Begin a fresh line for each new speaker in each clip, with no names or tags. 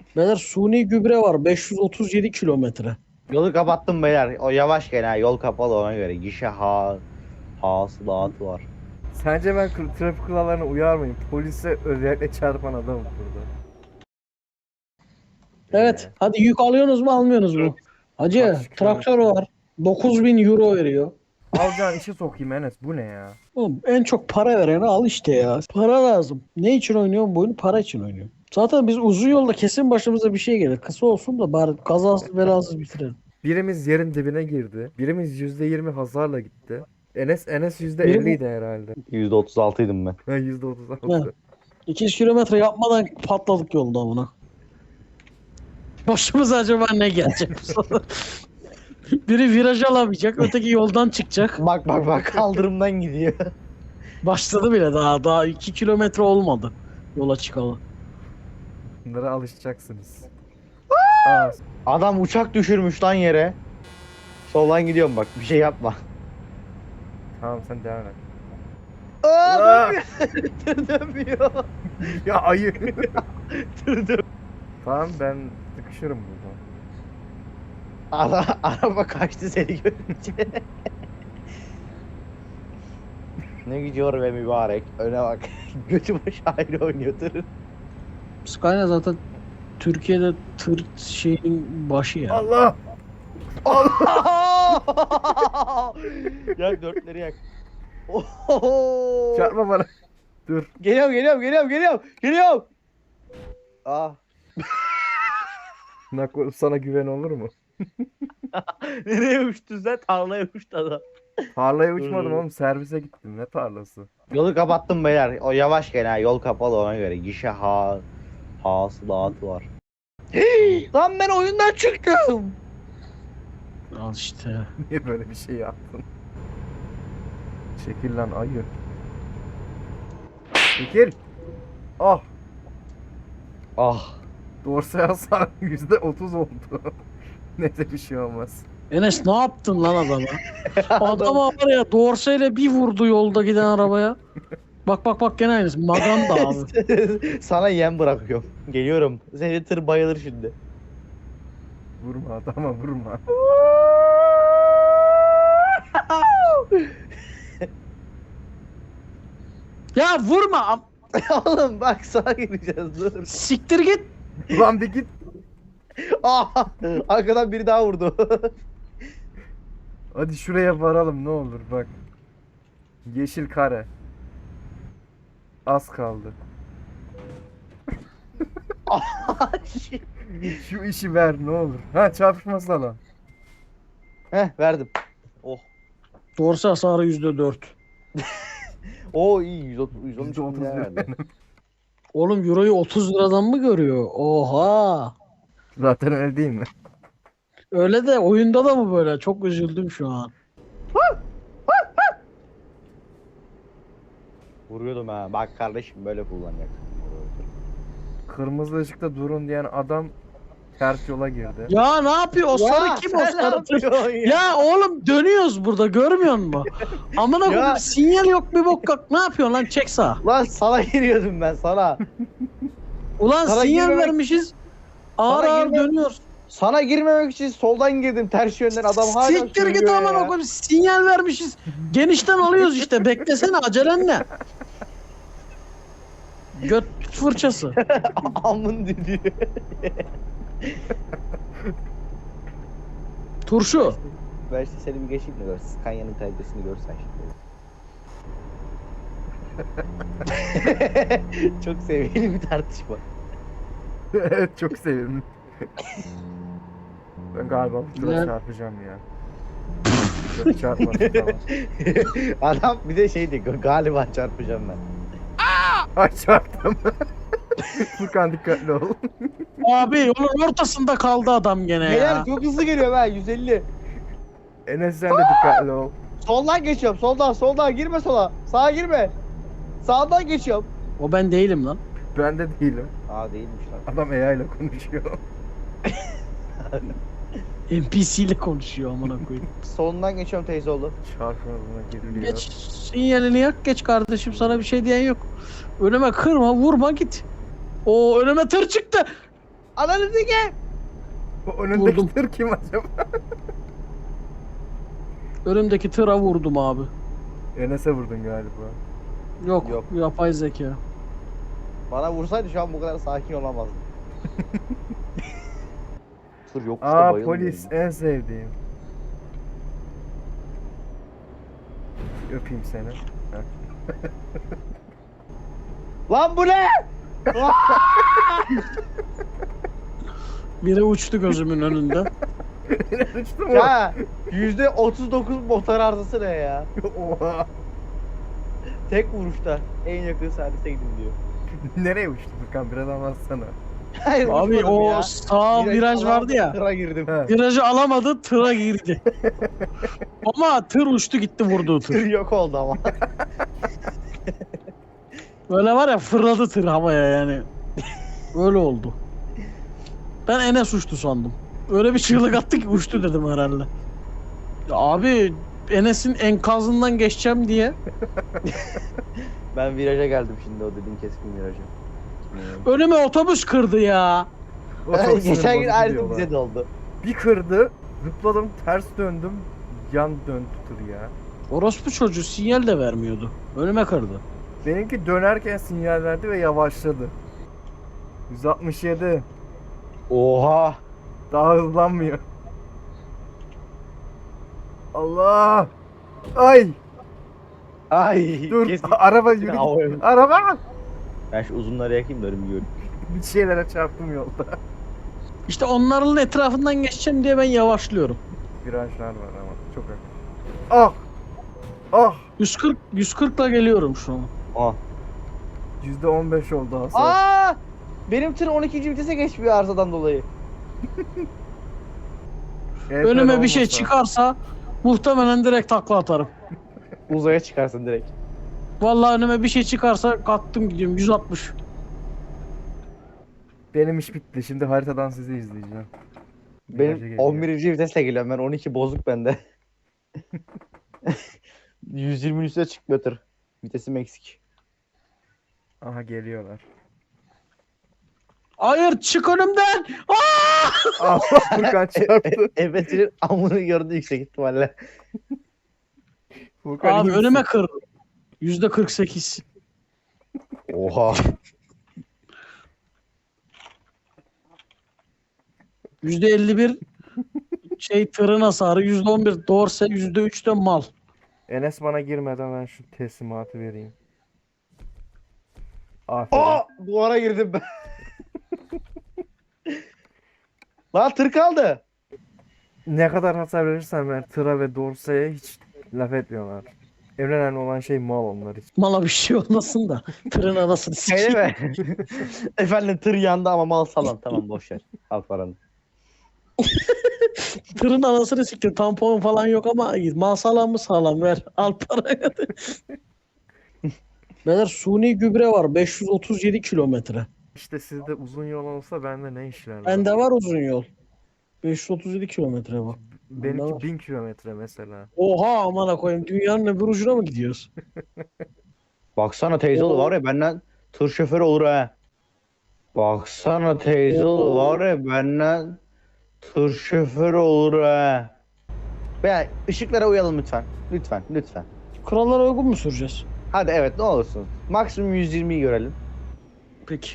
Beyler suni gübre var 537 kilometre.
Yolu kapattım beyler. O yavaş gel ha. Yol kapalı ona göre. Gişe hasılatı var.
Sence ben trafik kurallarına uyar mıyım? Polise özellikle çarpan adamım burada.
Evet hadi yük alıyorsunuz mu almıyorsunuz mu? Hacı
Kaç
traktör var 9.000 euro veriyor.
Alacağın işe sokayım Enes, bu ne ya?
Oğlum, en çok para vereni al işte ya. Para lazım. Ne için oynuyorum bu oyunu? Para için oynuyorum. Zaten biz uzun yolda kesin başımıza bir şey gelir. Kısa olsun da bari kazasız belasız bitirelim.
Birimiz yerin dibine girdi. Birimiz %20 hasarla gitti. Enes
Biri-
%50 idi herhalde.
%36'ydım ben.
Ben %36.
200 kilometre yapmadan patladık yolda buna. Başımıza acaba ne gelecek bu sefer? Biri viraj alamayacak, öteki yoldan çıkacak.
Bak bak bak kaldırımdan gidiyor.
Başladı bile daha 2 kilometre olmadı yola çıkalı.
Bunlara alışacaksınız. Aa,
Adam uçak düşürmüş lan yere. Soldan gidiyorum bak bir şey yapma.
tamam sen devam et.
Aa, dönmüyor. Dönmüyor.
Ya ayı.
Dönmüyor.
Tamam ben sıkışırım burada.
Araba kaçtı seni görünce. Ne gidiyor be mübarek. Öne bak. Götü başı ayrı oynuyor tırın.
Scania zaten Türkiye'de tır şeyin başı ya.
Allah!
Allah! Yak dörtleri yak. Oho!
Çarpma bana. Dur.
Geliyorum. Ah.
Sana güven olur mu?
Nereye uçtun sen? Tarlaya uçtu adam.
Tarlaya uçmadım oğlum, servise gittim. Ne tarlası?
Yolu kapattım beyler. O yavaş gel ha. Yol kapalı ona göre. Gişe hasılatı var. Lan ben oyundan çıktım.
Al işte.
Niye böyle bir şey yaptın? Çekil lan ayı. Çekil. Ah.
Ah.
Dorsal hasar %30 oldu. Neyse bir şey olmaz.
Enes ne yaptın lan adama? Adama var ya dorseyle bir vurdu yolda giden arabaya. Bak gene aynısı. Maganda abi.
Sana yem bırakıyorum. Geliyorum. Seni tır bayılır şimdi.
Vurma adama vurma.
Ya vurma.
Oğlum bak sağa gireceğiz dur.
Siktir git.
Ulan bir git.
Ah, arkadan biri daha vurdu.
Hadi şuraya varalım ne olur bak. Yeşil kare. Az kaldı. Şu işi ver ne olur. Ha çarpışma salon.
Heh verdim. Oh.
Dorse hasarı %4.
Oo iyi 113
%30
bin lira verdi.
Oğlum euroyu 30 liradan mı görüyor? Oha.
Zaten öyle değil mi?
Öyle de oyunda da mı böyle? Çok üzüldüm şu an.
Vuruyordum ha. Bak kardeşim böyle kullanacaksın.
Kırmızı ışıkta durun diyen adam ters yola girdi.
Ya ne yapıyor? O sarı kim o sarı? Ya oğlum dönüyoruz burada görmüyor musun? Amına
Ya.
koyayım sinyal yok bir bok yok. Ne yapıyorsun lan çek sağa.
Lan sana giriyordum ben sana.
Ulan
Sana
sinyal
girmemek-
vermişiz. Ağır
Sana
ağır
girme-
dönüyoruz.
Sana girmemek için soldan girdim ters yönden adam hala
Siktir git
söylüyor
amına
ya.
koyayım sinyal vermişiz. Genişten alıyoruz işte beklesene acelen ne? Göt fırçası.
Amın düdüğü.
Turşu.
Ben işte seni bir geçeyim de gör. Scania'nın kalitesini görsen şimdi. Çok seviyeli bir tartışma.
Evet çok sevimli. Ben galiba şuraya
Güzel.
çarpacağım ya. Yok çarpmadım tamam.
Adam bir de şey diyor galiba çarpacağım ben.
Ay çarptım. Furkan dikkatli ol.
Abi yolun ortasında kaldı adam gene ya.
Beyler çok hızlı geliyor ben 150.
Enes sen de dikkatli ol.
Soldan geçiyorum soldan girme sola. Sağa girme. Sağdan geçiyorum.
O ben değilim lan.
Ben de değilim.
Aa değilmiş lan.
Adam AI ile konuşuyor.
NPC ile konuşuyor amına koyayım.
Solundan geçiyorum teyzeoğlu.
Çarpmalarına giriliyor.
Geç sinyalini yak geç kardeşim sana bir şey diyen yok. Önüme kırma vurma git. O önüme tır çıktı.
Ananı sikeyim.
O önündeki
Vurdum.
tır kim acaba?
Önümdeki tıra vurdum abi.
Enes'e vurdun galiba.
Yok,
Yok.
yapay zeka.
Bana vursaydı şu an bu kadar sakin olamazdım. Tır yokuşta
Aa
bayılmıyorum.
polis en sevdiğim. Öpeyim seni. Heh.
Lan bu ne?
Biri uçtu gözümün önünde.
Uçtu mu?
Ya %39 motor arızası ne ya?
Oha.
Tek vuruşta en yakın servise gidin diyor.
Nereye uçtu Furkan? Biraz anlatsana.
Hayır
Abi
uçmadım
o
ya.
sağ viraj vardı ya.
Tıra girdim.
He.
Virajı alamadı, tıra girdi. Ama tır uçtu gitti vurduğu
Tır
tır.
yok oldu ama.
Böyle var ya fırladı tır havaya yani. Öyle oldu. Ben Enes uçtu sandım. Öyle bir çığlık attı ki uçtu dedim herhalde. Ya abi Enes'in enkazından geçeceğim diye
Ben viraja geldim şimdi o dediğin keskin viraja.
önüme otobüs kırdı ya.
O çok sinir
Geçen gün
bozucu
aynısı
diyorlar.
bize de oldu.
Bir kırdı, zıpladım, ters döndüm, yan döndü tır ya.
Orospu çocuğu sinyal de vermiyordu. Önüme kırdı.
Benimki dönerken sinyal verdi ve yavaşladı. 167.
Oha.
Daha hızlanmıyor. Allah! Ay!
Ay.
Dur,
Keskin.
araba yürü.
Havaya-
Araba!
Ben şu uzunları yakayım da önümü göreyim.
Bir şeylere çarptım yolda.
İşte onların etrafından geçeceğim diye ben yavaşlıyorum.
Virajlar var ama çok yakın. Ah! Ah!
140'la geliyorum şu an.
Aa.
%15 oldu hasar.
Aa! Benim tır 12. vitese geçmiyor arızadan dolayı.
EPR
Önüme bir şey
olmasa.
çıkarsa muhtemelen direkt takla atarım.
Uzaya çıkarsın direkt.
Vallahi önüme bir şey çıkarsa kalktım gidiyorum 160.
Benim iş bitti. Şimdi haritadan sizi izleyeceğim. Viraja
Benim
geliyor.
11. vitesle geliyorum ben 12 bozuk bende. 120'nin üstüne çıkmıyor tır. Vitesim eksik.
Aha geliyorlar.
Hayır çık önümden. Aa!
Allah Furkan çarptı.
Efes'in amını gördü yüksek ihtimalle.
Furkan
Abi
iyi misin?
önüme kır. %48.
Oha.
%51 şey tırın hasarı, %11 dorse, %3 de mal.
Enes bana girmeden ben şu teslimatı vereyim. Aferin.
Aa! Duvara girdim ben. Lan tır kaldı.
Ne kadar hasar verirsen ver tıra ve dorseye hiç laf etmiyorlar. En önemli olan şey mal onlar için.
Mala bir şey olmasın da tırın anasını
Öyle
sikeyim.
mi? Efendim tır yandı ama mal salan. Tamam boş ver. Al paranı.
Tırın anasını siktir. Tampon falan yok ama mal sağlam mı sağlam ver. Al parayı. Beyler suni gübre var 537 kilometre.
İşte sizde uzun yol olsa bende ne işler var?
Bende var uzun yol. 537 kilometre bak. bende
Benimki
var.
1000 kilometre mesela.
Oha amına koyayım dünyanın öbür ucuna mı gidiyoruz?
Baksana teyze oğlu var ya benden tır şoförü olur ha. Baksana teyze oğlu var ya benden tır şoförü olur ha. Veya ışıklara uyalım lütfen. Lütfen, lütfen.
Kurallara uygun mu süreceğiz?
Hadi evet ne olursun. Maksimum 120'yi görelim.
Peki.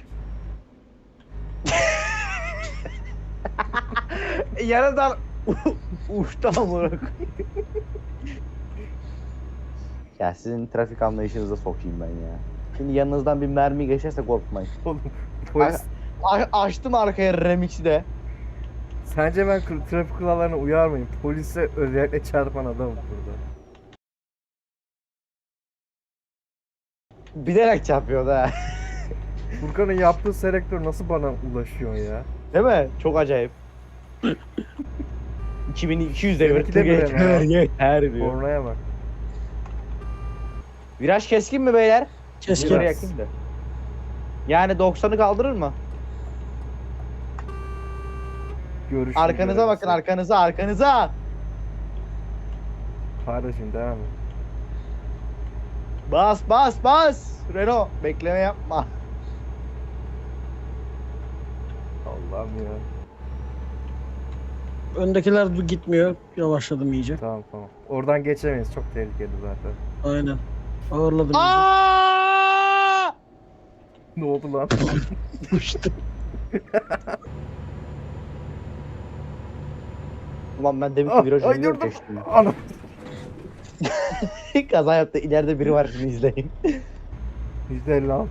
Yaradan uçtu amına koyayım. Ya sizin trafik anlayışınıza sokayım ben ya. Şimdi yanınızdan bir mermi geçerse korkmayın.
Oğlum polis...
Açtım arkaya remix'i de.
Sence ben trafik kurallarına uyar mıyım? Polise özellikle çarpan adamım burada.
Bilerek çarpıyor da.
Furkan'ın yaptığı selektör nasıl bana ulaşıyor ya?
Değil mi? Çok acayip. 2200 devir
Seninki de
tır
böyle
yeter,
mi?
yeter diyor.
Kornaya bak.
Viraj keskin mi beyler?
Keskin.
Geri
Biraz.
yakayım da. Yani 90'ı kaldırır mı?
Görüşüm
Arkanıza bakın arkanıza.
Kardeşim devam et.
Bas. Renault bekleme yapma.
Allah'ım ya.
Öndekiler gitmiyor. Yavaşladım iyice.
Tamam tamam. Oradan geçemeyiz. Çok tehlikeli zaten.
Aynen. Ağırladım iyice.
Aa!
Ne oldu lan?
Uçtu.
Ulan ben demin ki virajı
Ay,
biliyorum
durdum.
geçtim.
Ana.
Kaza yaptı. İleride biri var, şimdi izleyin.
%56.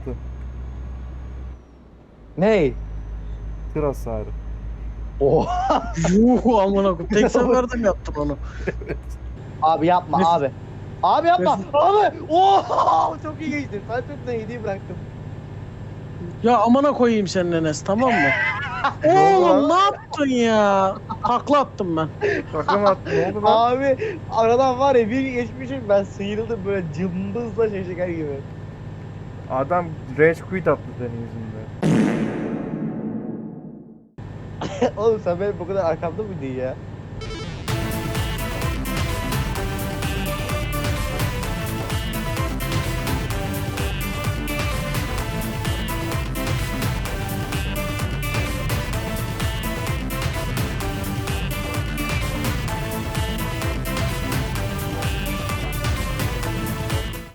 Ney?
Tır hasarı.
Oha.
Yuh amına koyayım. Tek seferde mi yaptın onu?
Abi yapma
Mes-
abi. Abi yapma.
Mes-
Abi. Oha. Çok iyi geçtin. Ben çok da iyi bıraktım.
Ya amına koyayım senin Enes, tamam mı?
oldu
Oğlum
lan?
ne yaptın ya? Takla attım ben.
Şaka mı attın? Ne oldu lan?
Abi aradan var ya bir geçmişim, ben sıyrıldım böyle cımbızla şeker gibi.
Adam rage quit attı senin yüzünden.
Oğlum sen benim bu kadar arkamda mıydın ya?